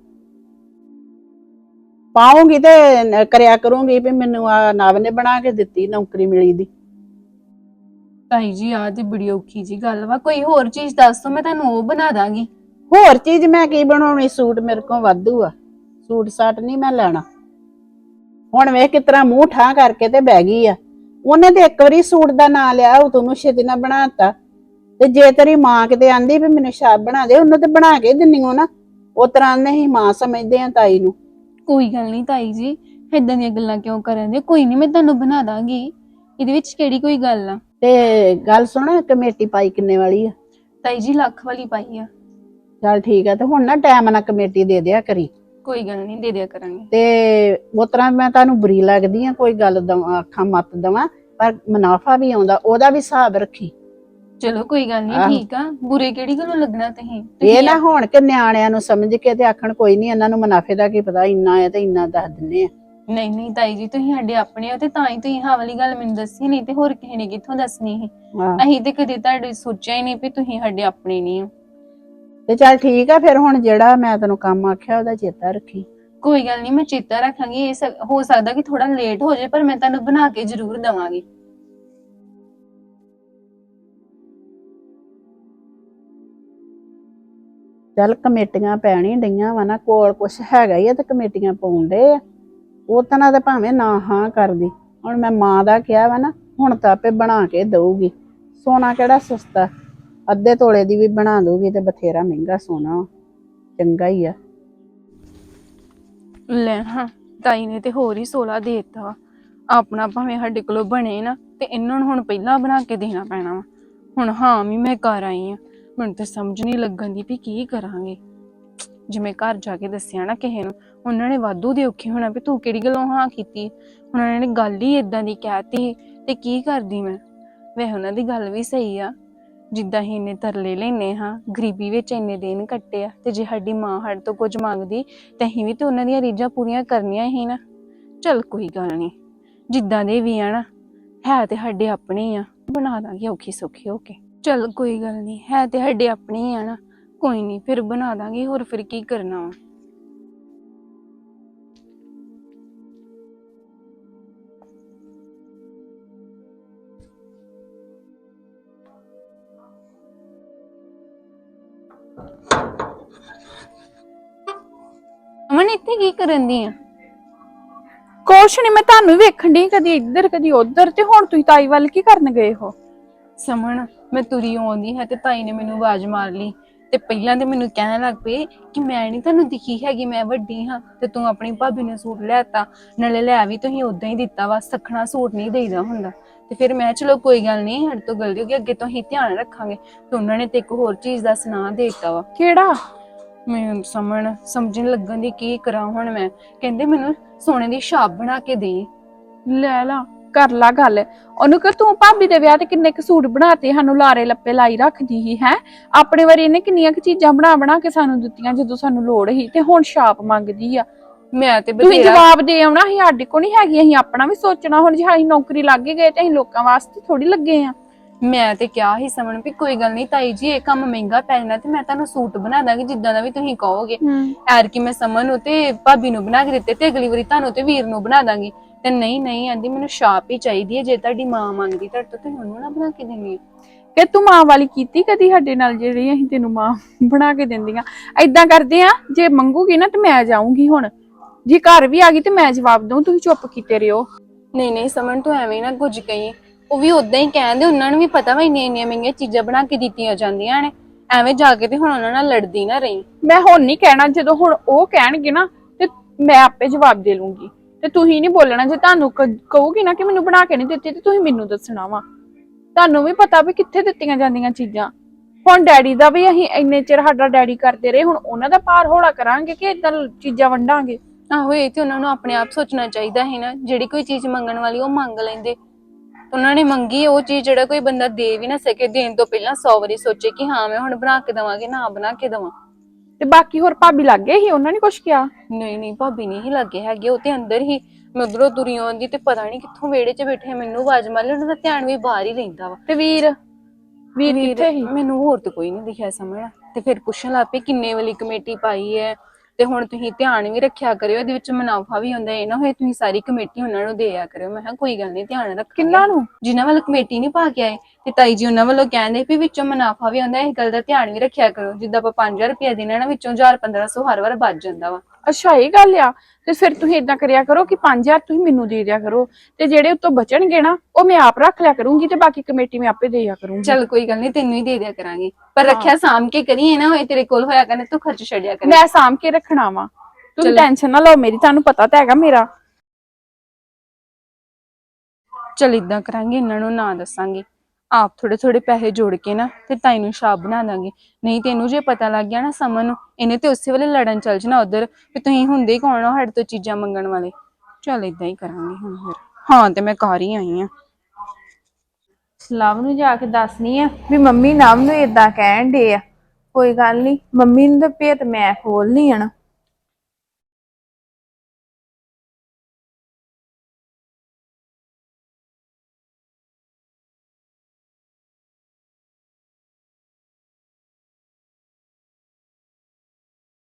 [SPEAKER 7] ਪਾਉਂਗੀ ਤੇ ਕਰਿਆ ਕਰੂੰਗੀ ਵੀ ਮੈਨੂੰ ਆ ਨਵ ਨੇ ਬਣਾ ਕੇ ਦਿੱਤੀ, ਨੌਕਰੀ ਮਿਲੀ ਦੀ।
[SPEAKER 3] ਤਾਈ ਜੀ ਆਹ ਤੇ ਬੜੀ ਔਖੀ ਜੀ ਗੱਲ ਵਾ, ਕੋਈ ਹੋਰ ਚੀਜ਼ ਦੱਸ ਦੋ ਮੈਂ ਤੁਹਾਨੂੰ ਉਹ ਬਣਾ ਦਾਂਗੀ।
[SPEAKER 7] ਹੋਰ ਚੀਜ਼ ਮੈਂ ਕੀ ਬਣਾਉਣੀ? ਸੂਟ ਮੇਰੇ ਕੋਲ ਵਾਧੂ ਆ, ਸੂਟ ਸਾਟ ਨਹੀਂ ਮੈਂ ਲੈਣਾ। ਹੁਣ ਵੇਖ ਕਿਸ ਤਰ੍ਹਾਂ ਮੂੰਹ ਠਾਂ ਕਰਕੇ ਤੇ ਬਹਿ ਗਈ ਆ। ਉਹਨੇ ਤੇ ਇੱਕ ਵਾਰੀ ਸੂਟ ਦਾ ਨਾਂ ਲਿਆ, ਉਹ ਤੈਨੂੰ ਛੇਤੀ ਨਾਲ ਬਣਾਤਾ। ਤੇ ਜੇ ਤੇਰੀ ਮਾਂ ਕਿਤੇ ਆਂਦੀ ਵੀ ਮੈਨੂੰ ਛਾਪ ਬਣਾ ਦੇ, ਉਹਨੂੰ ਤੇ ਬਣਾ ਕੇ ਦਿੰਨੀ ਹੋ ਨਾ। ਉਹ ਤਰ੍ਹਾਂ ਨਹੀਂ ਮਾਂ ਸਮਝਦੇ ਆ ਤਾਈ ਨੂੰ।
[SPEAKER 3] ਕੋਈ ਗੱਲ ਨਹੀਂ ਤਾਈ ਜੀ, ਏਦਾਂ ਦੀਆਂ ਗੱਲਾਂ ਕਿਉਂ ਕਰਨ ਦੇ? ਕੋਈ ਨਹੀਂ ਮੈਂ ਤੁਹਾਨੂੰ ਬਣਾ ਦਾਂਗੀ, ਇਹਦੇ ਵਿੱਚ ਕਿਹੜੀ ਕੋਈ ਗੱਲ ਆ।
[SPEAKER 7] ਤੇ ਗੱਲ ਸੁਣ, ਕਮੇਟੀ ਪਾਈ ਕਿੰਨੇ ਵਾਲੀ ਆ?
[SPEAKER 3] ਤਾਈ ਜੀ ਲੱਖ ਵਾਲੀ ਪਾਈ ਆ।
[SPEAKER 7] ਚੱਲ ਠੀਕ ਆ, ਤੇ ਹੁਣ ਨਾ ਟਾਈਮ ਨਾਲ ਕਮੇਟੀ ਦੇ ਦਿਆ ਕਰੀ।
[SPEAKER 3] ਕੋਈ ਗੱਲ ਨਹੀਂ, ਦੇ ਦਿਆ ਕਰਾਂਗੇ।
[SPEAKER 7] ਤੇ ਉਸ ਤਰ੍ਹਾਂ ਮੈਂ ਤੁਹਾਨੂੰ ਬੁਰੀ ਲੱਗਦੀ ਆ, ਕੋਈ ਗੱਲ ਦਵਾਂ ਆਖਾਂ ਮਤ ਦਵਾਂ, ਪਰ ਮੁਨਾਫਾ ਵੀ ਆਉਂਦਾ, ਉਹਦਾ ਵੀ ਹਿਸਾਬ ਰੱਖੀ।
[SPEAKER 3] ਚਲੋ ਕੋਈ ਗੱਲ ਨਹੀਂ, ਠੀਕ ਆ। ਬੁਰੇ ਕਿਹੜੀ ਗੱਲੋਂ ਲੱਗਣਾ ਤੁਸੀਂ?
[SPEAKER 7] ਇਹ ਨਾ ਹੋਣ ਕਿ ਨਿਆਣਿਆਂ ਨੂੰ ਸਮਝ ਕੇ ਤੇ ਆਖਣ ਕੋਈ ਨਹੀਂ, ਇਹਨਾਂ ਨੂੰ ਮੁਨਾਫੇ ਦਾ ਕੀ ਪਤਾ, ਇੰਨਾ ਹੈ ਤੇ ਇੰਨਾ ਦੱਸ ਦਿੰਨੇ ਆ।
[SPEAKER 3] ਨਹੀਂ ਨਹੀਂ ਤਾਈ ਜੀ, ਤੁਸੀਂ ਸਾਡੇ ਆਪਣੇ ਹੋ ਤੇ ਤਾਂ ਹੀ ਤੁਸੀਂ ਆਹ ਵਾਲੀ ਗੱਲ ਮੈਨੂੰ ਦੱਸੀ, ਨਹੀਂ ਤੇ ਹੋਰ ਕਿਸੇ ਨੇ ਕਿੱਥੋਂ ਦੱਸਣੀ ਸੀ। ਅਸੀਂ ਤੇ ਕਦੇ ਤੁਹਾਡੇ ਸੋਚਿਆ ਹੀ ਨਹੀਂ ਵੀ ਤੁਸੀਂ ਸਾਡੇ ਆਪਣੇ ਨਹੀਂ ਹੋ।
[SPEAKER 7] ਤੇ ਚੱਲ ਠੀਕ ਆ ਫਿਰ, ਹੁਣ ਜਿਹੜਾ ਮੈਂ ਤੈਨੂੰ ਕੰਮ ਆਖਿਆ ਉਹਦਾ ਚੇਤਾ ਰੱਖੀ।
[SPEAKER 3] ਕੋਈ ਗੱਲ ਨਹੀਂ, ਮੈਂ ਚੇਤਾ ਰੱਖਾਂਗੀ। ਇਹ ਹੋ ਸਕਦਾ ਕਿ ਥੋੜਾ ਲੇਟ ਹੋ ਜਾਏ, ਪਰ ਮੈਂ ਤੁਹਾਨੂੰ ਬਣਾ ਕੇ ਜ਼ਰੂਰ ਦਵਾਂਗੀ।
[SPEAKER 7] ਚੱਲ ਕਮੇਟੀਆਂ ਪੈਣੀ ਡਈਆਂ ਵਾ ਨਾ, ਕੋਲ ਕੁਛ ਹੈਗਾ ਹੀ ਆ ਤੇ ਕਮੇਟੀਆਂ ਪਾਉਣ ਡੇ ਆ। ਉਹ ਤਾਂ ਨਾ ਤੇ ਭਾਵੇਂ ਨਾ ਹਾਂ ਕਰਦੀ, ਹੁਣ ਮੈਂ ਮਾਂ ਦਾ ਕਿਹਾ ਵਾ ਨਾ, ਹੁਣ ਤਾਂ ਆਪੇ ਬਣਾ ਕੇ ਦਊਗੀ। ਸੋਨਾ ਕਿਹੜਾ ਸਸਤਾ, ਅੱਧੇ ਤੋਲੇ ਦੀ ਵੀ ਬਣਾ ਦਊਗੀ ਤੇ ਬਥੇਰਾ ਮਹਿੰਗਾ ਸੋਨਾ, ਚੰਗਾ ਹੀ ਆ।
[SPEAKER 3] ਲੈ ਹਾਂ, ਤਾਈ ਨੇ ਤੇ ਹੋਰ ਹੀ ਸੋਲਾ ਦੇ ਦਿੱਤਾ ਵਾ। ਆਪਣਾ ਭਾਵੇਂ ਸਾਡੇ ਕੋਲੋਂ ਬਣੇ ਨਾ, ਤੇ ਇਹਨਾਂ ਨੂੰ ਹੁਣ ਪਹਿਲਾਂ ਬਣਾ ਕੇ ਦੇਣਾ ਪੈਣਾ ਵਾ। ਹੁਣ ਹਾਂ ਵੀ ਮੈਂ ਘਰ ਆਈ ਆ, ਮੈਨੂੰ ਤੇ ਸਮਝ ਨਹੀਂ ਲੱਗਣ ਦੀ ਵੀ ਕੀ ਕਰਾਂਗੇ। ਜਿਵੇਂ ਘਰ ਜਾ ਕੇ ਦੱਸਿਆ ਨਾ ਕਿਸੇ ਨੂੰ, ਉਹਨਾਂ ਨੇ ਵਾਧੂ ਦੇ ਔਖੇ ਹੋਣਾ ਵੀ ਤੂੰ ਕਿਹੜੀ ਗੱਲੋਂ ਹਾਂ ਕੀਤੀ। ਹੁਣ ਉਹਨਾਂ ਨੇ ਗੱਲ ਹੀ ਏਦਾਂ ਦੀ ਕਹਿਤੀ ਤੇ ਕੀ ਕਰਦੀ ਮੈਂ। ਵੈਸੇ ਉਹਨਾਂ ਦੀ ਗੱਲ ਵੀ ਸਹੀ ਆ, ਜਿੱਦਾਂ ਹੀ ਇੰਨੇ ਤਰਲੇ ਲੈਨੇ ਹਾਂ, ਗਰੀਬੀ ਵਿੱਚ ਇੰਨੇ ਦਿਨ ਕੱਟੇ ਆ, ਤੇ ਜੇ ਸਾਡੀ ਮਾਂ ਸਾਡੇ ਤੋਂ ਕੁਝ ਮੰਗਦੀ ਤੇ ਅਸੀਂ ਵੀ ਤੇ ਉਹਨਾਂ ਦੀਆਂ ਰੀਝਾਂ ਪੂਰੀਆਂ ਕਰਨੀਆਂ ਹੀ ਨਾ। ਚੱਲ ਕੋਈ ਗੱਲ ਨਹੀਂ, ਜਿੱਦਾਂ ਦੇ ਵੀ ਆ ਨਾ, ਹੈ ਤੇ ਸਾਡੇ ਆਪਣੇ ਆ, ਬਣਾ ਦਾਂਗੇ ਔਖੀ ਸੌਖੀ ਹੋ ਕੇ। ਚੱਲ ਕੋਈ ਗੱਲ ਨਹੀਂ, ਹੈ ਤੇ ਸਾਡੇ ਆਪਣੇ ਹੀ ਆ ਨਾ, ਕੋਈ ਨਹੀਂ ਫਿਰ ਬਣਾ ਦਾਂਗੇ, ਹੋਰ ਫਿਰ ਕੀ ਕਰਨਾ ਵਾ। ਸਮਣ ਇੱਥੇ ਕੀ ਕਰਨ ਦੀ ਆ?
[SPEAKER 4] ਕੁਛ ਨਹੀਂ, ਮੈਂ ਤੁਹਾਨੂੰ ਵੇਖਣ ਦੀ ਕਦੀ ਇੱਧਰ ਕਦੀ ਉੱਧਰ, ਤੇ ਹੁਣ ਤੁਸੀਂ ਤਾਈ ਵੱਲ ਕੀ ਕਰਨ ਗਏ ਹੋ?
[SPEAKER 3] ਸਮਣ ਮੈਂ ਤੁਰੀ ਆਉਂਦੀ ਹੈ ਤੇ ਤਾਈ ਨੇ ਮੈਨੂੰ ਆਵਾਜ਼ ਮਾਰ ਲਈ ਤੇ ਪਹਿਲਾਂ ਤੇ ਮੈਨੂੰ ਕਹਿਣ ਲੱਗ ਪਏ ਕਿ ਮੈਂ ਨਹੀਂ ਤੁਹਾਨੂੰ ਦਿਖੀ ਹੈਗੀ, ਮੈਂ ਵੱਡੀ ਹਾਂ ਤੇ ਤੂੰ ਆਪਣੀ ਭਾਬੀ ਨੂੰ ਸੂਟ ਲੈਤਾ, ਨਾਲੇ ਲੈ ਵੀ ਤੁਸੀਂ ਉਦਾਂ ਹੀ ਦਿੱਤਾ ਵਾ, ਸਖਣਾ ਸੂਟ ਨਹੀਂ ਦੇਈਦਾ ਹੁੰਦਾ। ਤੇ ਫਿਰ ਮੈਂ ਚਲੋ ਕੋਈ ਗੱਲ ਨਹੀਂ, ਸਾਡੇ ਤੋਂ ਗਲਤੀ ਹੋ ਗਈ, ਅੱਗੇ ਤੋਂ ਅਸੀਂ ਧਿਆਨ ਰੱਖਾਂਗੇ। ਤੇ ਉਹਨਾਂ ਨੇ ਤੇ ਇੱਕ ਹੋਰ ਚੀਜ਼ ਦਾ ਸੁਣਾ ਦੇ ਦਿੱਤਾ ਵਾ।
[SPEAKER 4] ਕਿਹੜਾ?
[SPEAKER 3] ਮੈਂ ਸਮਣ ਸਮਝਣ ਲੱਗਣ ਦੀ ਕੀ ਕਰਾਂ ਹੁਣ ਮੈਂ। ਕਹਿੰਦੇ ਮੈਨੂੰ ਸੋਨੇ ਦੀ ਛਾਪ ਬਣਾ ਕੇ ਦੇ।
[SPEAKER 4] ਲੈ ਲਾ, ਕਰ ਲਾ ਗੱਲ ਉਹਨੂੰ ਕਿ ਤੂੰ ਭਾਬੀ ਦੇ ਵਿਆਹ ਤੇ ਕਿੰਨੇ ਕੁ ਸੂਟ ਬਣਾਤੇ, ਸਾਨੂੰ ਲਾਰੇ ਲੱਪੇ ਲਾਈ ਰੱਖਦੀ ਸੀ ਹੈ। ਆਪਣੇ ਵਾਰੀ ਇਹਨੇ ਕਿੰਨੀਆਂ ਕੁ ਚੀਜ਼ਾਂ ਬਣਾ ਬਣਾ ਕੇ ਸਾਨੂੰ ਦਿੱਤੀਆਂ ਜਦੋਂ ਸਾਨੂੰ ਲੋੜ ਸੀ, ਤੇ ਹੁਣ ਛਾਪ ਮੰਗਦੀ ਆ।
[SPEAKER 3] ਮੈਂ ਤੇ
[SPEAKER 4] ਤੁਸੀਂ
[SPEAKER 3] ਬਥੇਰਾ
[SPEAKER 4] ਜਵਾਬ ਦੇ ਆਉਣਾ ਸੀ, ਸਾਡੇ ਕੋਲ ਨਹੀਂ ਹੈਗੀ, ਅਸੀਂ ਆਪਣਾ ਵੀ ਸੋਚਣਾ। ਹੁਣ ਜੇ ਅਸੀਂ ਨੌਕਰੀ ਲੱਗ ਹੀ ਗਏ ਤੇ ਅਸੀਂ ਲੋਕਾਂ ਵਾਸਤੇ ਥੋੜੀ ਲੱਗੇ ਆ।
[SPEAKER 3] ਮੈਂ ਤੇ ਕਿਹਾ ਹੀ ਸਮਣ ਵੀ ਕੋਈ ਗੱਲ ਨਹੀਂ ਤਾਈ ਜੀ, ਇਹ ਕੰਮ ਮਹਿੰਗਾ ਪੈ ਜਾਣਾ ਤੇ ਮੈਂ ਤੁਹਾਨੂੰ ਸੂਟ ਬਣਾ ਦਾਂਗੀ ਜਿੱਦਾਂ ਦਾ ਵੀ ਤੁਸੀਂ ਕਹੋਗੇ। ਐਰ ਕਿ ਮੈਂ ਸਮਨ ਨੂੰ ਤੇ ਭਾਬੀ ਨੂੰ ਬਣਾ ਕੇ ਦਿੱਤੇ ਤੇ ਅਗਲੀ ਵਾਰੀ ਤੁਹਾਨੂੰ ਤੇ ਵੀਰ ਨੂੰ ਬਣਾ ਦਾਂਗੀ। ਤੇ ਨਹੀਂ ਨਹੀਂ ਆਂਦੀ ਮੈਨੂੰ ਛਾਪ ਹੀ ਚਾਹੀਦੀ ਹੈ, ਜੇ ਤੁਹਾਡੀ ਮਾਂ ਮੰਗਦੀ ਤੁਹਾਡੇ ਤੋਂ ਤੁਸੀਂ ਉਹਨੂੰ ਨਾ ਬਣਾ ਕੇ ਦੇਣੀ।
[SPEAKER 4] ਕਿ ਤੂੰ ਮਾਂ ਵਾਲੀ ਕੀਤੀ ਕਦੀ ਸਾਡੇ ਨਾਲ, ਜਿਹੜੀ ਅਸੀਂ ਤੈਨੂੰ ਮਾਂ ਬਣਾ ਕੇ ਦਿੰਦੀਆਂ? ਏਦਾਂ ਕਰਦੇ ਆ, ਜੇ ਮੰਗੂਗੀ ਨਾ ਤੇ ਮੈਂ ਜਾਊਂਗੀ। ਹੁਣ ਜੇ ਘਰ ਵੀ ਆ ਗਈ ਤੇ ਮੈਂ ਜਵਾਬ ਦਊਂ, ਤੁਸੀਂ ਚੁੱਪ ਕੀਤੇ ਰਹੋ।
[SPEAKER 3] ਨਹੀਂ ਨਹੀਂ ਸਮਨ ਤੂੰ ਐਵੇਂ ਨਾ ਕੁਝ ਕਹੀ, ਉਹ ਵੀ ਉਦਾਂ ਹੀ ਕਹਿੰਦੇ, ਉਹਨਾਂ ਨੂੰ ਵੀ ਪਤਾ ਵਾ ਇੰਨੀਆਂ ਇੰਨੀਆਂ ਮਹਿੰਗੀਆਂ ਚੀਜ਼ਾਂ ਬਣਾ ਕੇ ਦਿੱਤੀਆਂ ਜਾਂਦੀਆਂ ਨੇ। ਐਵੇਂ ਜਾ ਕੇ ਤੇ ਹੁਣ ਉਹਨਾਂ ਨਾਲ ਲੜਦੀ ਨਾ ਰਹੀ।
[SPEAKER 4] ਮੈਂ ਹੁਣ ਨਹੀਂ ਕਹਿਣਾ, ਜਦੋਂ ਹੁਣ ਉਹ ਕਹਿਣਗੇ ਨਾ ਤੇ ਮੈਂ ਆਪੇ ਜਵਾਬ ਦੇ ਲੂੰਗੀ। ਤੇ ਤੁਸੀਂ ਨਹੀਂ ਬੋਲਣਾ, ਜੇ ਤੁਹਾਨੂੰ ਕਹੂਗੀ ਨਾ ਕਿ ਮੈਨੂੰ ਬਣਾ ਕੇ ਨਹੀਂ ਦਿੱਤੀ ਤੇ ਤੁਸੀਂ ਮੈਨੂੰ ਦੱਸਣਾ ਵਾ। ਤੁਹਾਨੂੰ ਵੀ ਪਤਾ ਵੀ ਕਿੱਥੇ ਦਿੱਤੀਆਂ ਜਾਂਦੀਆਂ ਚੀਜ਼ਾਂ। ਹੁਣ ਡੈਡੀ ਦਾ ਵੀ ਅਸੀਂ ਇੰਨੇ ਚਿਰ ਸਾਡਾ ਡੈਡੀ ਕਰਦੇ ਰਹੇ, ਹੁਣ ਉਹਨਾਂ ਦਾ ਭਾਰ ਹੌਲਾ ਕਰਾਂਗੇ ਕਿ ਏਦਾਂ ਚੀਜ਼ਾਂ ਵੰਡਾਂਗੇ?
[SPEAKER 3] ਆਹੋ ਇਹ ਤੇ ਉਹਨਾਂ ਨੂੰ ਆਪਣੇ ਆਪ ਸੋਚਣਾ ਚਾਹੀਦਾ ਹੈ ਨਾ, ਜਿਹੜੀ ਕੋਈ ਚੀਜ਼ ਮੰਗਣ ਵਾਲੀ ਉਹ ਮੰਗ ਲੈਂਦੇ। ਉਹਨਾਂ ਨੇ ਮੰਗੀ ਉਹ ਚੀਜ਼, ਜਿਹੜਾ ਕੋਈ ਬੰਦਾ ਦੇ ਵੀ ਨਾ ਸਕੇ, ਦੇਣ ਤੋਂ ਪਹਿਲਾਂ ਸੌ ਵਾਰੀ ਸੋਚੇ ਕਿ ਹਾਂ ਮੈਂ ਹੁਣ ਬਣਾ ਕੇ ਦੇਵਾਂਗੇ ਨਾ ਬਣਾ ਕੇ ਦੇਵਾਂ।
[SPEAKER 4] ਤੇ ਬਾਕੀ ਹੋਰ ਭਾਬੀ ਲੱਗੇ ਸੀ, ਉਹਨਾਂ ਨੇ ਕੁਛ ਕਿਹਾ?
[SPEAKER 3] ਨਹੀਂ ਨਹੀਂ ਭਾਬੀ ਨਹੀਂ ਹੀ ਲੱਗੇ ਹੈਗੇ, ਉਹ ਤੇ ਅੰਦਰ ਹੀ। ਮੈਂ ਉਧਰੋਂ ਤੁਰੀ ਆਉਂਦੀ ਤੇ ਪਤਾ ਨਹੀਂ ਕਿੱਥੋਂ ਵਿਹੜੇ 'ਚ ਬੈਠੇ ਮੈਨੂੰ ਆਵਾਜ਼ ਮਾਰ ਲਈ, ਉਹਨਾਂ ਦਾ ਧਿਆਨ ਵੀ ਬਾਹਰ ਹੀ ਰਹਿੰਦਾ ਵਾ।
[SPEAKER 4] ਤੇ ਵੀਰ ਵੀਰ ਕਿੱਥੇ ਸੀ?
[SPEAKER 3] ਮੈਨੂੰ ਹੋਰ ਤੇ ਕੋਈ ਨਹੀਂ ਦਿਖਿਆ ਸਮਝ। ਤੇ ਫਿਰ ਪੁੱਛਣ ਲੱਗ ਪਏ ਕਿੰਨੇ ਵਾਲੀ ਕਮੇਟੀ ਪਾਈ ਹੈ, ਤੇ ਹੁਣ ਤੁਸੀਂ ਧਿਆਨ ਵੀ ਰੱਖਿਆ ਕਰਿਓ, ਇਹਦੇ ਵਿੱਚ ਮੁਨਾਫਾ ਵੀ ਹੁੰਦਾ, ਇਹ ਨਾ ਹੋਏ ਤੁਸੀਂ ਸਾਰੀ ਕਮੇਟੀ ਉਹਨਾਂ ਨੂੰ ਦਿਆ ਕਰਿਓ। ਮੈਂ ਕਿਹਾ ਕੋਈ ਗੱਲ ਨਹੀਂ, ਧਿਆਨ ਰੱਖ।
[SPEAKER 4] ਕਿੰਨਾਂ ਨੂੰ?
[SPEAKER 3] ਜਿਨ੍ਹਾਂ ਵੱਲ ਕਮੇਟੀ ਨਹੀਂ ਪਾ ਕੇ ਆਏ ਤੇ ਤਾਈ ਜੀ ਉਹਨਾਂ ਵੱਲੋਂ ਕਹਿੰਦੇ ਵੀ ਵਿੱਚੋਂ ਮੁਨਾਫਾ ਵੀ ਹੁੰਦਾ, ਇਸ ਗੱਲ ਦਾ ਧਿਆਨ ਵੀ ਰੱਖਿਆ ਕਰੋ। ਜਿੱਦਾਂ ਆਪਾਂ ਪੰਜ ਹਜ਼ਾਰ ਰੁਪਇਆ ਦੇਣਾ ਨਾ, ਵਿੱਚੋਂ ਹਜ਼ਾਰ ਪੰਦਰਾਂ ਸੌ ਹਰ ਵਾਰ ਬਚ ਜਾਂਦਾ ਵਾ।
[SPEAKER 4] ਅੱਛਾ ਇਹ ਗੱਲ ਆ। ਤੇ ਫਿਰ ਤੁਸੀਂ ਏਦਾਂ ਕਰਿਆ ਕਰੋ ਕਿ ਪੰਜ ਹਜ਼ਾਰ ਤੁਸੀਂ ਮੈਨੂੰ ਦੇ ਦਿਆ ਕਰੋ, ਤੇ ਜਿਹੜੇ ਉੱਤੋਂ ਬਚਣਗੇ ਨਾ ਉਹ ਮੈਂ ਆਪ ਰੱਖ ਲਿਆ ਕਰੂੰਗੀ, ਤੇ ਬਾਕੀ ਕਮੇਟੀ ਮੈਂ ਆਪੇ ਦੇ ਦਿਆ ਕਰੂੰਗੀ।
[SPEAKER 3] ਚੱਲ ਕੋਈ ਗੱਲ ਨਹੀਂ, ਤੈਨੂੰ ਹੀ ਦੇ ਦਿਆ ਕਰਾਂਗੇ, ਪਰ ਰੱਖਿਆ ਸਾਂਭ ਕੇ ਕਰੀਏ ਨਾ, ਹੋਏ ਤੇਰੇ ਕੋਲ ਹੋਇਆ ਕਰਨੇ ਤੂੰ ਖਰਚ ਛੱਡਿਆ ਕਰੇ।
[SPEAKER 4] ਮੈਂ ਸਾਂਭ ਕੇ ਰੱਖਣਾ ਵਾ, ਤੁਸੀਂ ਟੈਨਸ਼ਨ ਨਾ ਲਓ ਮੇਰੀ, ਤੁਹਾਨੂੰ ਪਤਾ ਤਾਂ ਹੈਗਾ ਮੇਰਾ।
[SPEAKER 3] ਚੱਲ ਇਦਾਂ ਕਰਾਂਗੇ, ਇਹਨਾਂ ਨੂੰ ਨਾ ਦੱਸਾਂਗੇ, ਆਪ ਥੋੜੇ ਥੋੜੇ ਪੈਸੇ ਜੋੜ ਕੇ ਨਾ ਤੇ ਤਾਈ ਨੂੰ ਛਾਪ ਬਣਾ ਦਾਂਗੇ। ਨਹੀਂ ਤੈਨੂੰ ਜੇ ਪਤਾ ਲੱਗ ਗਿਆ ਨਾ ਸਮਨ ਨੂੰ, ਇਹਨੇ ਤੇ ਉਸੇ ਵੇਲੇ ਲੜਨ ਚੱਲ ਜਾਣਾ ਉਧਰ ਵੀ ਤੁਸੀਂ ਹੁੰਦੇ ਹੀ ਕੌਣ ਹੋ ਸਾਡੇ ਤੋਂ ਚੀਜ਼ਾਂ ਮੰਗਣ ਵਾਲੇ। ਚੱਲ ਇਦਾਂ ਹੀ ਕਰਾਂਗੇ ਹੁਣ ਫਿਰ। ਹਾਂ ਤੇ ਮੈਂ ਘਰ ਹੀ ਆਈ ਆ।
[SPEAKER 4] ਲਵ ਨੂੰ ਜਾ ਕੇ ਦੱਸਣੀ ਆ ਵੀ ਮੰਮੀ ਨਵ ਨੂੰ ਏਦਾਂ ਕਹਿਣ ਡੇ ਆ। ਕੋਈ ਗੱਲ ਨਹੀਂ, ਮੰਮੀ ਨੂੰ ਤਾਂ ਭੇਤ ਮੈਂ ਖੋਲਣੀ ਆ ਨਾ।